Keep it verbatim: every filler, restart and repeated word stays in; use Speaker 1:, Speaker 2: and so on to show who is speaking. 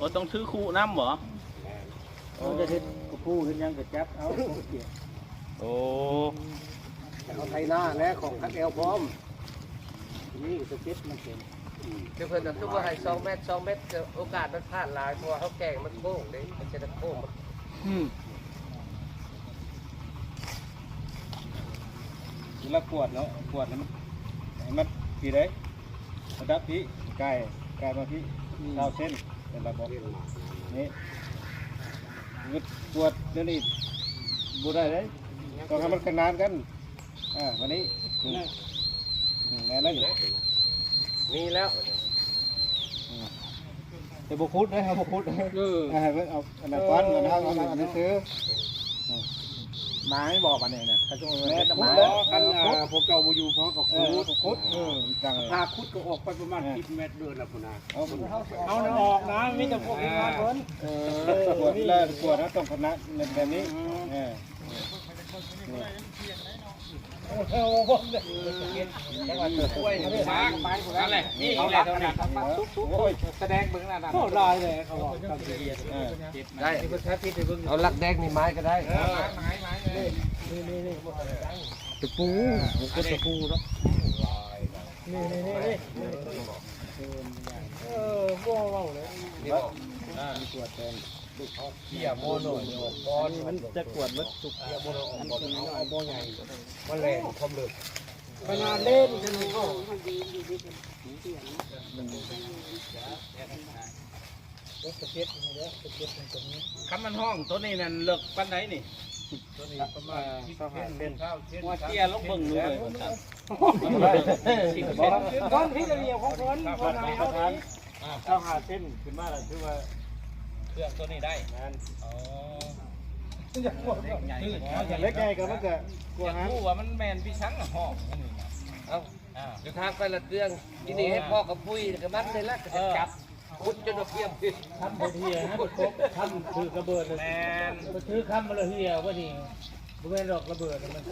Speaker 1: อ้ต้องถือคู่น้ำบ่
Speaker 2: เขาจะเฮ็ดกระปูเฮ็ดยังก็จับเอาเกี่ยว
Speaker 1: โอ้
Speaker 2: เอาไทยหน้าและของคัดแอลพร้อมนี่สเก็ตมันเป็น
Speaker 3: เดี๋ยวเพิ่นจะทุกว่าให้สองเมตรสองเมตรโอกาสมันพลาดหลายเพราะเขาแกงมันโค้งเด้มันจะโค้ง
Speaker 2: อืมเวลาขวดเนาะขวดมันให้มันพี่ได้ระดับพี่ไก่ไก่มาพี่เก้าเส้นเป็นระบบนี่งึดขวดเดี๋ยวนี้บูได้เลยต้องทำมันขนานกันอ่าวันนี้แน่แล้วอยู่
Speaker 3: มีแล้ว
Speaker 2: แต่บุคุดนะครับบุคุดเออเอาอันนั้นก้อนเงินเอาเอาอันนั้นซื้อมาให้บอกอันนี้เนี่ยเขาจะเอาแม่จะมากันพวกเก่าบูยูเพราะกับคุดคุดเออจังเลยพาคุดก็ออกไปประมาณสิบเมตรเดินแล้วพุ่นนะเอาเอาออกนะมีแต่พวกนี้มาเพิ่นเออขวดแล้วขวดนะต้องคณะแบบนี้เออโอ้โหจังหวัดกล้วยช้างไปหมดแล้วเลยนี่อะไรตรงนี้โอ้ยแสดงเบื้องหน้าโอ้ลายเลยเขาบอกได้เอาลักแดงนี่ไม้ก็ได้นี่นี่นี่ตะปูก็ตะปูเนาะนี่นี่นี่นี่เออบ่เว้าเลยนี่บ่อ่ามีขวดแทนเขี่ยโมโนบอลมันจะขวดมันสุกเขี่ยโมโนบอลเอาบ่ใหญ่มันแรงความลึกขนาดเล่นจะมีก็
Speaker 1: คันมันห้องตัวนี้นั่นเลิกปานไหนนี่
Speaker 2: ตัวนี้ประมาณสิบเซน
Speaker 1: ว่าเตี้ยลงเบิ่งเลยว่าซั่น
Speaker 2: ก้อนที่จะเรียวของคนคนไหนเอาทีเอาหาเส้นขึ้นมาแล้วคือว่า
Speaker 1: เครื่องตัวนี้ได้
Speaker 2: งาน
Speaker 1: อ๋อ
Speaker 2: ใหญ่อย่างเล็กใหญ่ก็มันก็กลัว
Speaker 1: อยาก
Speaker 2: ฮะ
Speaker 1: รู้ว่ามันแม่นพี่ชังอะห้องอันนี้นะ
Speaker 3: เอาเดี๋ยวทางไปละเตืองที่นี่ให้พ่อกับปุ้ยกับมัดเลยละจะจับคุดจนเพียงพิษ
Speaker 2: ทำบนเฮียฮะครบทำถือกระเบิดเลย
Speaker 1: แม่น
Speaker 2: ไปถือคำมาเลยเฮียว่านี่บริเวณดอกระเบิดมัน